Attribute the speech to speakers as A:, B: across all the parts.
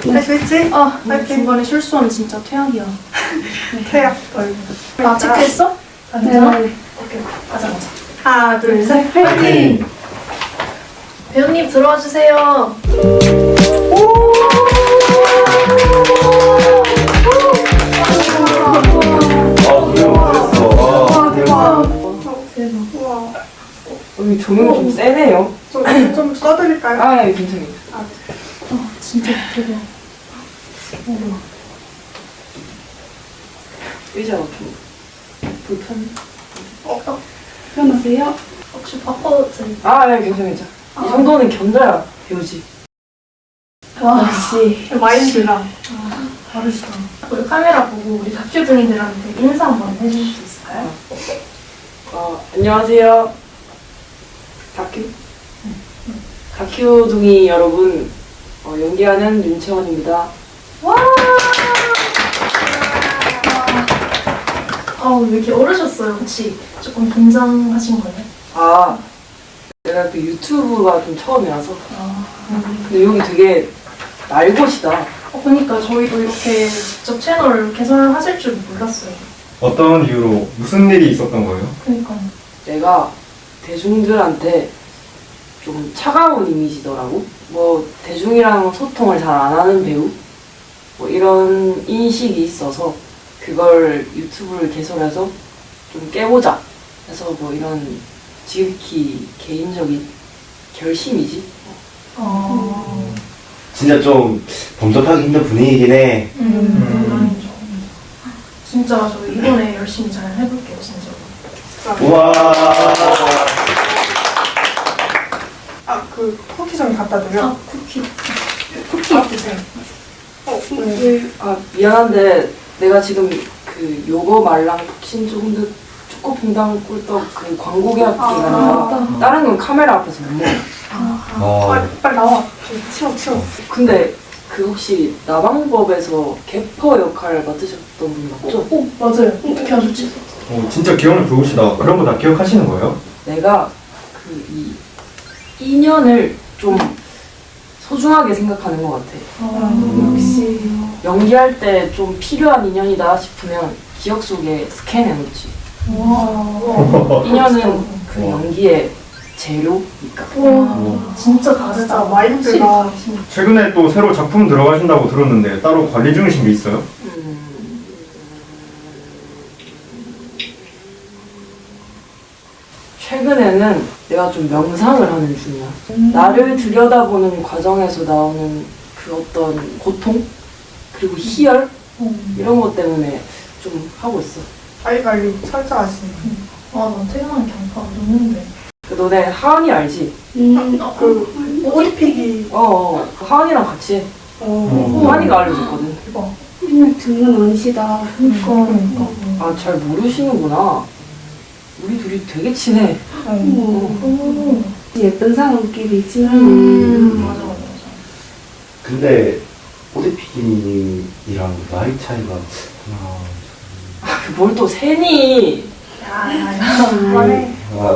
A: 할 수 있지? 파이팅.
B: 중간에 실수하면 진짜 퇴학이야.
A: 태야.
B: 아, 체크했어? 다 괜찮아? 오케이, 가자.
A: 하나, 둘, 셋.
B: 파이팅! 배우님 들어와 주세요.
A: 우와.
C: 여기 조명이 좀 세네요.
A: 좀 써드릴까요?
C: 아, 예, 괜찮아요.
B: 진짜 대박.
C: 의자가 좀 불편.
B: 편하세요? 혹시 바꿔도 돼?
C: 아, 예, 괜찮아요. 이 정도는 견뎌야 배우지.
B: 와, 역시
A: 마인드가.
B: 다르시다. 우리 카메라 보고 우리 다큐둥이들한테 인사 한번 해주실 수 있을까요?
C: 안녕하세요. 다큐둥이 여러분, 연기하는 윤채원입니다.
B: 와! 왜 이렇게 오르셨어요? 혹시 조금 긴장하신 거예요?
C: 아, 내가 그 유튜브가 좀 처음이라서. 근데 여기 되게 날것이다.
B: 그러니까 저희도 이렇게 직접 채널 개설하실 줄 몰랐어요.
D: 어떤 이유로 무슨 일이 있었던 거예요?
B: 그러니까
C: 내가 대중들한테 좀 차가운 이미지더라고. 뭐 대중이랑 소통을 잘 안 하는 배우? 뭐 이런 인식이 있어서 그걸 유튜브를 개설해서 좀 깨보자 해서 뭐 이런 지극히 개인적인 결심이지.
E: 진짜 좀 범접하기 힘든 분위기긴 해.
B: 아니죠. 진짜 저희 이번에 열심히 잘 해볼게요, 진짜.
E: 우와.
A: 그 쿠키 좀 갖다 드려.
B: 쿠키 드세요.
C: 아 미안한데 내가 지금 그 요거 말랑 푹신조 흔드 초코퐁당 꿀떡 그 광고 계약 기간이라 다른 건 카메라 앞에서 못 먹어.
A: 빨리 나와. 치워.
C: 근데 그 혹시 나방법에서 개퍼 역할을 맡으셨던 분 맞죠?
B: 맞아요. 어떻게 하셨지?
D: 진짜 기억력 좋으시다. 그런 거 다 기억하시는 거예요?
C: 내가 그 이 인연을 좀 소중하게 생각하는 것 같아.
B: 역시.
C: 연기할 때 좀 필요한 인연이다 싶으면 기억 속에 스캔해놓지. 인연은 그 연기의 재료니까.
B: 와, 진짜 다르다.
A: 진짜 마인드가.
D: 최근에 또 새로 작품 들어가신다고 들었는데 따로 관리 중이신 게 있어요?
C: 최근에는 내가 좀 명상을 하는 중이야. 나를 들여다보는 과정에서 나오는 그 어떤 고통? 그리고 희열? 이런 것 때문에 좀 하고 있어.
A: 자기 관리 철저하시네.
B: 난 퇴근하는 경파 없는데.
C: 그 너네 하은이 알지?
A: 그 오리피기.
C: 그 하은이랑 같이 해. 하은이가 알려줬거든.
F: 장난 아니시다.
B: 그러니까.
C: 아, 잘 모르시는구나. 우리 둘이 되게 친해.
F: 예쁜 사람끼리 있지만
B: 맞아.
E: 근데 오대피디님이랑 나이 차이가 하나.
C: 뭘 또 세니?
B: 그만해.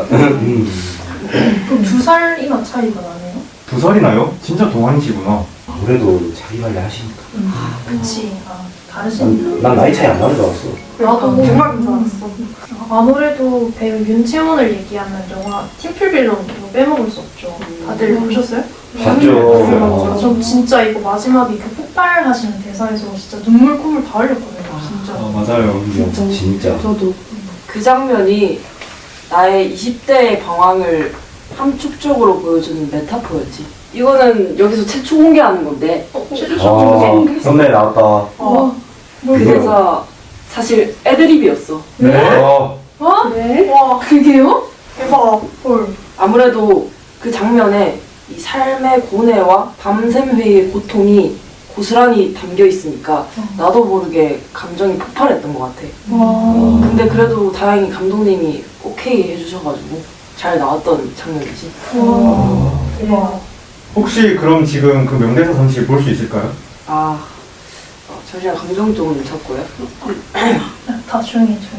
B: 그럼 2살이나 차이가 나네요?
D: 2살이나요? 진짜 동안이시구나.
E: 아무래도 자기 관리 하시니까.
B: 그치. 다르시니까.
E: 난 나이 차이 안 나는 줄 알았어.
B: 나도
A: 대박인 줄 알았어.
B: 아무래도 배우 윤채원을 얘기하면 영화 팀플빌런도 빼먹을 수 없죠. 다들 보셨어요?
E: 봤죠.
B: 저 진짜 이거 마지막에 그 폭발하시는 대사에서 진짜 눈물 콧물 다 흘렸거든요. 진짜.
D: 맞아요.
E: 진짜.
F: 저도
C: 그 장면이 나의 20대의 방황을 함축적으로 보여주는 메타포였지. 이거는 여기서 최초 공개하는 건데
E: 썸네일 나왔다.
C: 그 대사 사실 애드립이었어.
D: 네?
F: 네?
A: 와,
B: 그게요?
A: 대박.
B: 헐.
C: 아무래도 그 장면에 이 삶의 고뇌와 밤샘 회의의 고통이 고스란히 담겨 있으니까 나도 모르게 감정이 폭발했던 것 같아. 근데 그래도 다행히 감독님이 오케이 해주셔가지고 잘 나왔던 장면이지.
B: 대박.
D: 혹시 그럼 지금 그 명대사 잠시 볼 수 있을까요?
C: 잠시만 감정 좀 잡고요.
B: 다 조용히 해.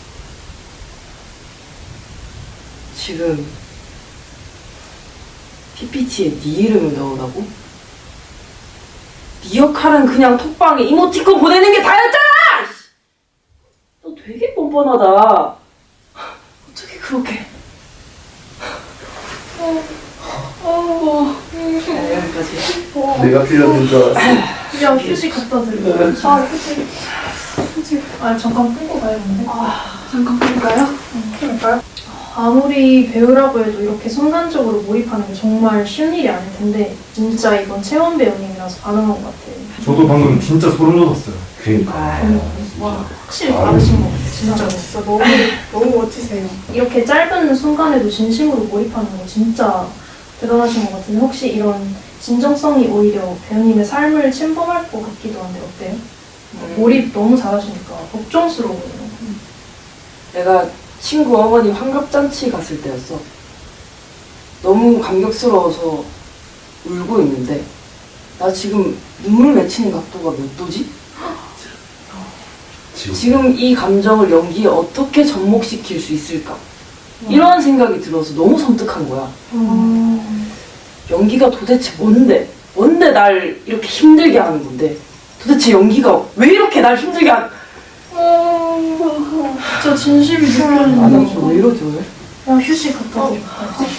C: 지금 PPT에 네 이름을 넣으라고? 네 역할은 그냥 톡방에 이모티콘 보내는 게 다였잖아! 너 되게 뻔뻔하다. 어떻게 그렇게. 네, 여기까지.
E: 내가 필요한 줄 알았어.
B: 야, 휴지 갖다 드려.
A: 아, 그치.
B: 아, 잠깐 끊고 가야겠는데.
F: 잠깐 볼까요?
A: 그럴까요?
B: 아무리 배우라고 해도 이렇게 순간적으로 몰입하는 게 정말 쉬운 일이 아닐 텐데 진짜 이건 채원 배우님이라서 가능한 것 같아요.
D: 저도 방금 진짜 소름 돋았어요.
E: 그니까.
B: 와, 확실히 다르신 것 같아요. 진짜.
A: 진짜 너무 멋지세요.
B: 이렇게 짧은 순간에도 진심으로 몰입하는 거 진짜 대단하신 것 같은데 혹시 이런 진정성이 오히려 배우님의 삶을 침범할 것 같기도 한데 어때요? 몰입 너무 잘하시니까 걱정스러워요.
C: 내가 친구 어머니 환갑잔치 갔을 때였어. 너무 감격스러워서 울고 있는데 나 지금 눈물 맺히는 각도가 몇 도지? 지금 이 감정을 연기에 어떻게 접목시킬 수 있을까? 이런 생각이 들어서 너무 섬뜩한 거야. 연기가 도대체 뭔데? 뭔데 날 이렇게 힘들게 하는 건데? 도대체 연기가 왜 이렇게 날 힘들게 하는
B: 진짜 진심이
C: 아, 나
B: 느껴지는
C: 지금 왜 이러지 오늘?
B: 야, 휴지 갖다 드려.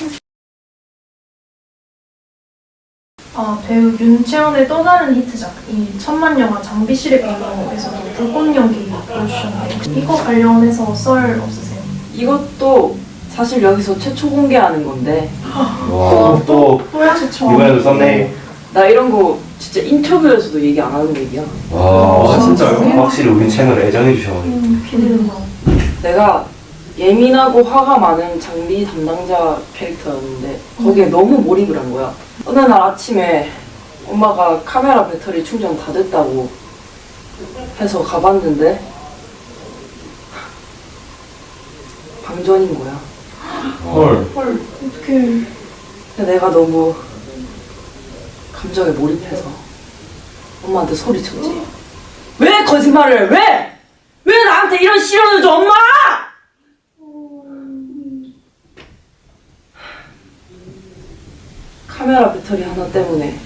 B: 배우 윤채원의 또 다른 히트작, 이 천만 영화 장비실의 비밀에서도 불꽃 연기 보여주셨는데 이거 관련해서 썰 없으세요?
C: 이것도 사실 여기서 최초 공개하는 건데
E: 와, 또
B: 뭐야, 최초.
E: 이번에도 썼네.
C: 나 이런 거 진짜 인터뷰에서도 얘기 안 하는 얘기야.
E: 와,
D: 진짜요?
E: 확실히 우리 채널 애정해 주셔가지고.
B: 기대된다.
C: 내가 예민하고 화가 많은 장비 담당자 캐릭터였는데 거기에 너무 몰입을 한 거야. 어느 날 아침에 엄마가 카메라 배터리 충전 다 됐다고 해서 가봤는데 방전인 거야.
D: 헐.
B: 헐, 어떡해.
C: 근데 내가 너무 감정에 몰입해서 엄마한테 소리쳤지. 왜 거짓말을 해? 왜? 왜 나한테 이런 시련을 줘, 엄마! 카메라 배터리 하나 때문에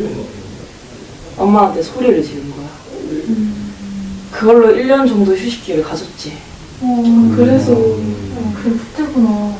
C: 엄마한테 소리를 지른 거야. 그걸로 1년 정도 휴식기를 가졌지.
B: 그래서 그때구나.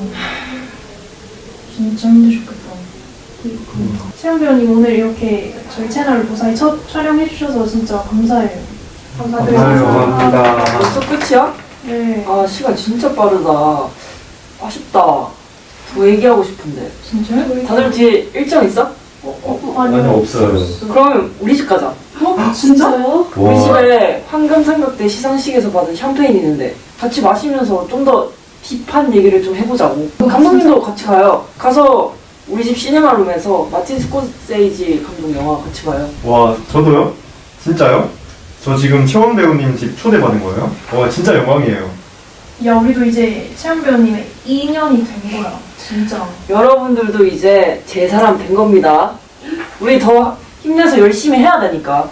B: 진짜 힘드셨겠다. 채영 배우님 오늘 이렇게 저희 채널 무사히 첫 촬영해주셔서 진짜 감사해요.
D: 감사해요.
E: 감사합니다.
C: 벌써 끝이야?
B: 네,
C: 아, 시간 진짜 빠르다. 아쉽다. 더 얘기하고 싶은데.
B: 진짜요?
C: 다들 뒤에 일정 있어?
E: 아니, 없어요.
C: 그러면 우리 집 가자.
F: 진짜요?
C: 우리
E: 와,
C: 집에 황금삼각대 시상식에서 받은 샴페인 있는데 같이 마시면서 좀 더 딥한 얘기를 좀 해보자고. 감독님도 같이 가요. 가서 우리 집 시네마룸에서 마틴 스코세이지 감독 영화 같이 봐요.
D: 와, 저도요? 진짜요? 저 지금 채원 배우님 집 초대받은 거예요? 와, 진짜 영광이에요.
B: 야, 우리도 이제 채영 배우님의 인연이 된 거야. 진짜.
C: 여러분들도 이제 제 사람 된 겁니다. 우리 더 힘내서 열심히 해야 되니까.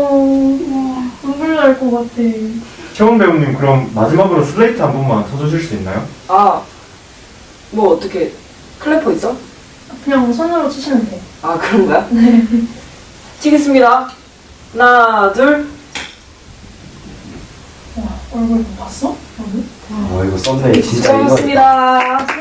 B: 눈물 날 것 같아.
D: 채원 배우님 그럼 마지막으로 슬레이트 한 번만 쳐주실 수 있나요?
C: 아, 뭐 어떻게 클래퍼 있어?
B: 그냥 손으로 치시면 돼.
C: 아, 그런 거야? 네. 치겠습니다. 하나, 둘.
B: 와, 얼굴 봤어?
E: 와, 이거 썼네. 진짜 이거.
C: 수고하셨습니다.